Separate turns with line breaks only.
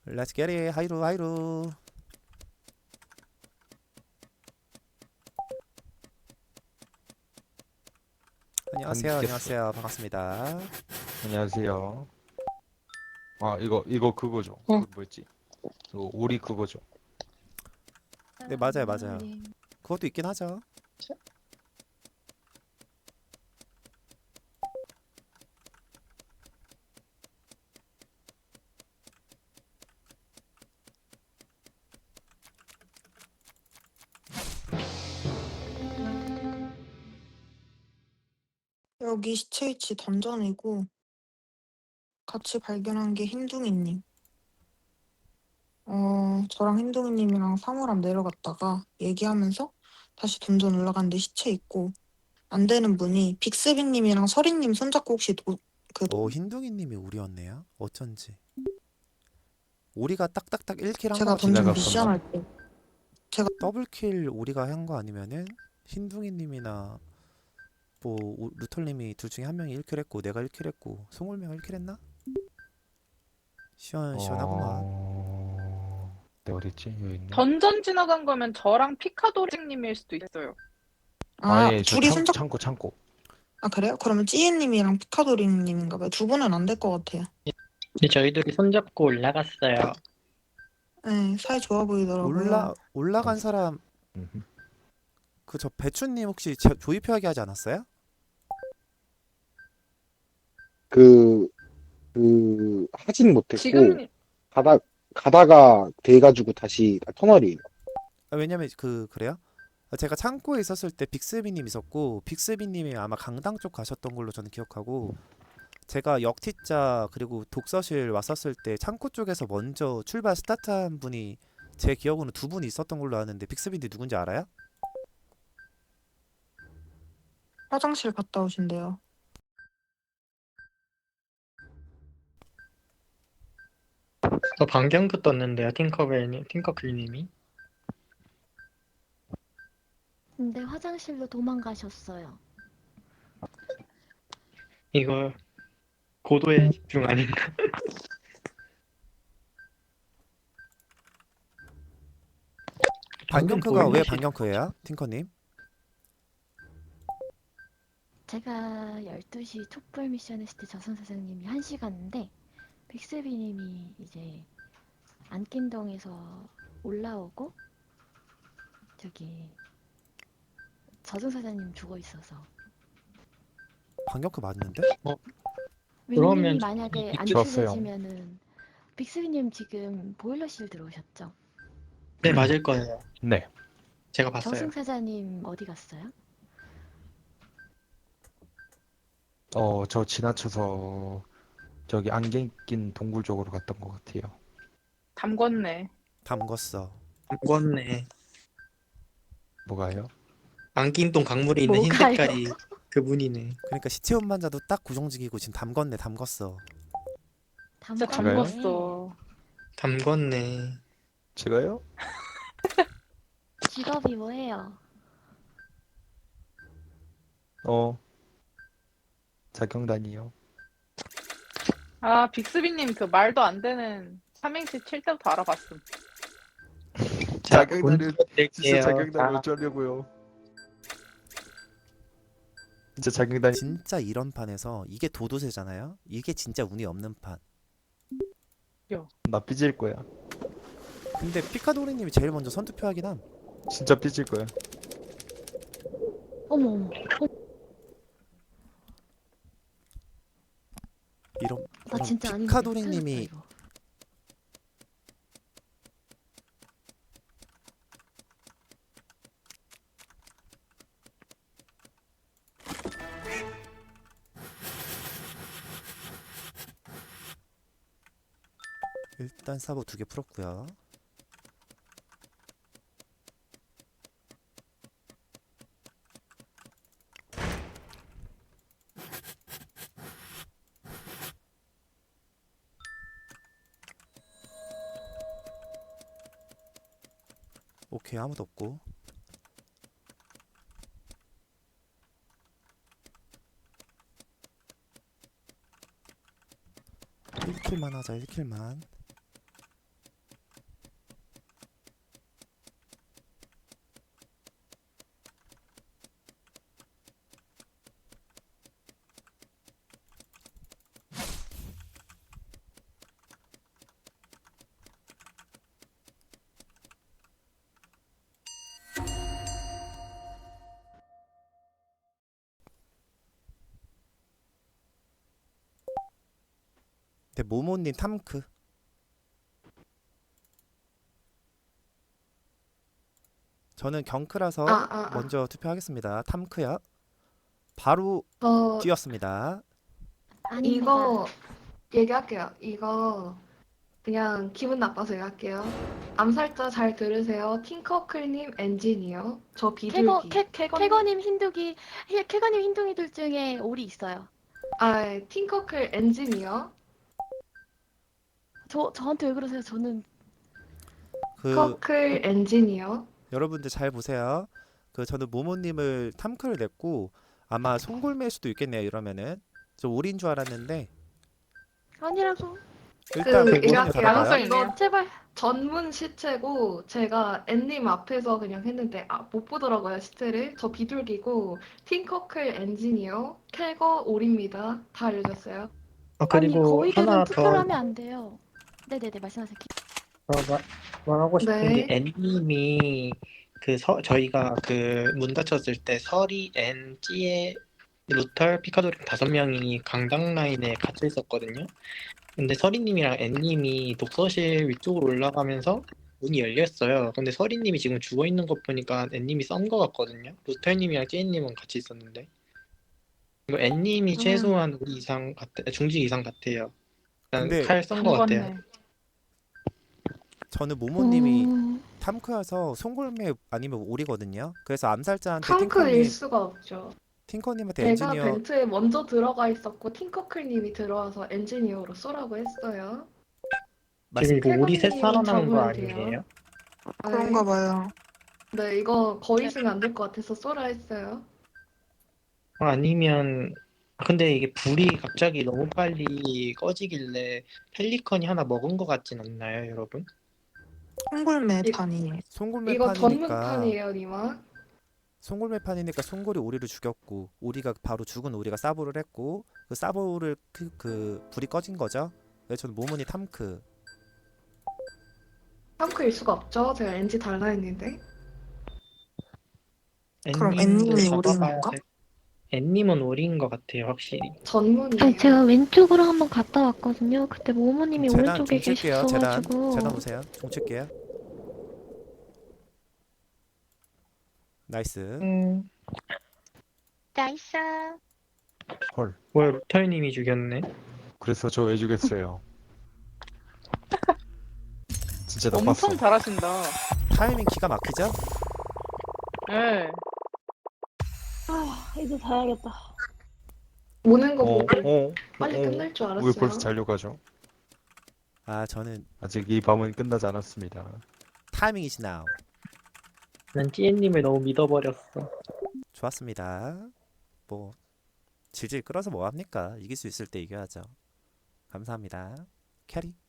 Let's get it. 하이루 하이루. 안녕하세요.
반갑겠어.
안녕하세요. 반갑습니다.
안녕하세요. 아, 이거 그거죠.
어,
그 뭐였지? 그 오리 그거죠.
네, 맞아요. 맞아요. 그것도 있긴 하죠.
여기 시체 위치 던전이고 같이 발견한 게 흰둥이님. 저랑 흰둥이님이랑 사물함 내려갔다가 얘기하면서 다시 던전 올라갔는데 시체 있고 안 되는 분이 빅스비님이랑 서리님 손잡고 혹시
오, 흰둥이님이 오리였네요. 어쩐지. 오리가 딱딱딱 1킬 한 거
제가 던전
같은데.
미션
지나갔었나?
할 때 제가
더블킬 오리가 한 거 아니면은 흰둥이님이나 뭐 루털님이 둘 중에 한 명이 1킬 했고 내가 1킬 했고 송울매가 1킬 했나? 시원하구만.
네, 어딨지? 여기 있네.
던전 지나간 거면 저랑 피카도링님일 수도 있어요.
아니, 저
둘이 손잡
창고.
그래요? 그러면 찌이님이랑 피카도리님인가 봐요. 두 분은 안 될 것 같아요.
근데 저희들이 손잡고 올라갔어요.
네, 사이 좋아 보이더라고요.
올라간 사람
음흠.
그 저 배추님 혹시 조이표하게 하지 않았어요?
그, 하진 못했고,
지금
가다가 돼가지고 다시 터널이에요.
왜냐면 그래요? 제가 창고에 있었을 때 빅스비님 있었고 빅스비님이 아마 강당 쪽 가셨던 걸로 저는 기억하고 제가 역티자 그리고 독서실 왔었을 때 창고 쪽에서 먼저 출발 스타트한 분이 제 기억으로는 두 분이 있었던 걸로 아는데 빅스비님 누군지 알아요?
화장실 갔다 오신대요.
저 방경도 떴는데요, 팅커클님이.
근데 화장실로 도망가셨어요.
이거 고도의 집중 아닌가? 방금
반경크가 왜
보일러실
반경크예요? 팅커님?
제가 12시 촛불 미션 했을 때 저선 사장님이 1시간인데 빅스비님이 이제 안낀동에서 올라오고 저기 저승 사장님 죽어 있어서
반경크 맞는데?
그러면
윈님이 만약에 안
좋았어요.
추려지면은 빅스비님 지금 보일러실 들어오셨죠?
네, 맞을 거예요.
네.
제가 봤어요.
저승 사장님 어디 갔어요?
저 지나쳐서 저기 안경 낀 동굴 쪽으로 갔던 것 같아요.
담궜네.
담궜어.
안궜네.
뭐가요?
안낀동 강물에 있는 흰
뭐가요?
색깔이 그분이네.
그러니까 시체 운반자도 딱 구정직이고 지금 담궜어.
진짜
제가요?
담궜어.
담궜네.
제가요?
직업이 뭐예요?
자경단이요.
아, 빅스비님 그 말도 안 되는 삼행시 칠 때부터 알아봤음.
자,
자경단을
문제 낼게요.
자경단을 어쩌려고요? 진짜 자경단
진짜 이런 판에서 이게 도도새잖아요? 이게 진짜 운이 없는 판.
나 삐질 거야.
근데 피카도리님이 제일 먼저 선투표하긴 함.
진짜 삐질 거야.
어머 어머 나 진짜 아닌데
피카도리님이
큰일 났다, 이거.
일단 사보 2개 풀었고요. 오케이, 아무도 없고. 1킬만 하자. 1킬만. 근데 모모님 탐크. 저는 경크라서 먼저 투표하겠습니다. 탐크요. 바로 뛰었습니다.
아닙니다.
이거 얘기할게요. 이거 그냥 기분 나빠서 얘기할게요. 암살자 잘 들으세요. 팅커클님 엔지니어. 저 비둘기.
캐거님 흰둥이들 중에 올이 있어요.
아, 팅커클 엔지니어.
저한테 왜 그러세요? 저는
그
커클 엔지니어.
여러분들 잘 보세요. 그 저는 모모님을 탐크를 냈고 아마 송골매일 수도 있겠네요. 이러면은 저 올인 줄 알았는데
아니라고.
일단
그
모모님
얘가
받아봐요.
가능성이 있네요.
제발.
전문 시체고 제가 앤님 앞에서 그냥 했는데 못 보더라고요 시체를. 저 비둘기고 팅커클 엔지니어. 캐거 올입니다. 다 알려줬어요.
아,
아니
그리고
거위들은
하나
투표를
더
하면 안 돼요. 네네네 말씀하세요.
말하고 싶은
네.
게 N님이 저희가 그 문 닫혔을 때 설이, N, 찌에, 루털, 피카도리 5명이 강당 라인에 갇혀 있었거든요. 근데 서리님이랑 N님이 독서실 위쪽으로 올라가면서 문이 열렸어요. 근데 서리님이 지금 죽어 있는 거 보니까 N님이 썬 거 같거든요. 루털님이랑 찌님은 같이 있었는데. 이거 N님이 최소한 우리 이상 중직 이상 같아요. 일단
근데
칼 썬 거 같아요.
담궜네.
저는 모모님이
음,
탐크여서 송골매 아니면 올이거든요. 그래서 암살자한테
탕크일 수가 없죠.
팅커님한테
제가
엔지니어
벤트에 먼저 들어가 있었고 팅커클님이 들어와서 엔지니어로 쏘라고 했어요.
말씀
지금 이거 우리 셋
태권님은
살아남은 거
잡으면 돼요.
아니에요?
그런가 봐요.
네, 이거 거의 있으면 안 될 것 같아서 쏘라 했어요.
아니면 근데 이게 불이 갑자기 너무 빨리 꺼지길래 펠리컨이 하나 먹은 거 같진 않나요, 여러분?
송골매판이에요.
이거
송골매판이니까
전문판이에요, 니마.
송골매판이니까 송골이 오리를 죽였고 오리가 바로 죽은 오리가 사보를 했고 그 사보를 그 불이 꺼진 거죠. 그래서 저는 모모니 탐크.
탕크일 수가 없죠. 제가 NG 달라 했는데.
그럼
N님도
N님이
잡아봐야
오리인 건가?
돼. N님은 오리인 것 같아요, 확실히.
전문이에요.
아니 제가 왼쪽으로 한번 갔다 왔거든요. 그때 모모님이
재단
오른쪽에
종칠게요. 재단
계셨어가지고.
보세요. 종칠게요. 나이스.
나이스.
헐.
뭐야, 루터님이 죽였네.
그래서 저 왜 죽였어요? 진짜 나빴어.
엄청 잘하신다.
타이밍 기가 막히죠?
네.
이제 자야겠다.
오는 거 보고
어?
빨리 끝날 줄
왜
알았어요.
벌써 자려가죠?
아 저는
아직 이 밤은 끝나지 않았습니다.
타이밍이시 나우.
난 찌엔님을 너무 믿어버렸어.
좋았습니다. 뭐 질질 끌어서 뭐 합니까? 이길 수 있을 때 이겨야죠. 감사합니다. 캐리.